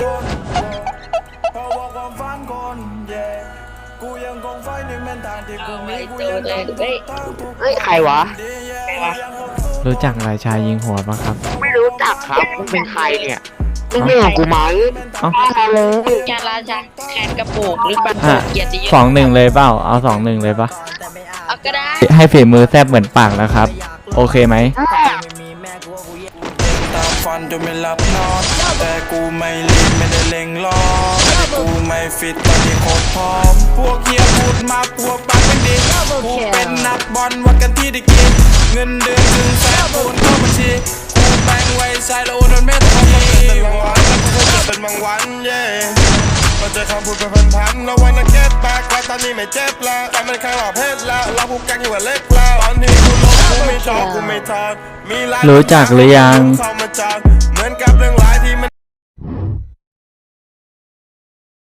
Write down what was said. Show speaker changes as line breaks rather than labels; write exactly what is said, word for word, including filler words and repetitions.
คนเพราะว่าความฝันคนเย่กูยังคงไฟในเส้นทางที่กูมีกูยังทำทุกทางทุก
เฮ้ยใครวะ
ใครวะ
รู้จักราชายิงหัวปะครับ
ไม่รู้จักครับมึงเป็นใครเนี่ยมึงเรื่องของกูไหม
เอ้า
มาเลย
จาราชาแคนกระโปกหรือเปล่า
อ่ะ
เกียรติยศ
สองหนึ่งเลยเปล่าเอาสองหนึ่งเลยปะ
เอาก็ได้
ให้ฝีมือแซบเหมือนปากนะครับ โอเคไหม
ตามฟันจนไม่หลับนอน แต่กูไม่รีบไม่ได้เล็งรอกูไม่ฟิตตอนที่โคตรพร้อม พวกเฮียพูดมาพวกปากเป็นดิกูเป็นนักบอลวัดกันที่ได้กินเงินเดือนถึงแสนโอนเข้าบัญชีกูแบ่งไว้ใช้แล้วโอนโดนเม็ดทองเป็นบางวันแล้วกูก็เจอเป็นบางวันเย่เราเจอคำพูดเป็นพันๆแล้ววันนั้นเก็ตแบกว่าตอนนี้ไม่เจ็บแล้วแต่มันแค่หลอกเพศแล้วเราพูดกันอยู่ว่าเล็กแล้วตอนที่กูลงกูไม่ชอบกูไม่ทอดมีหลาย
รู้จักหรือยัง
เข้ามาจอดเหมือนกับเรื่องร้ายที่มัน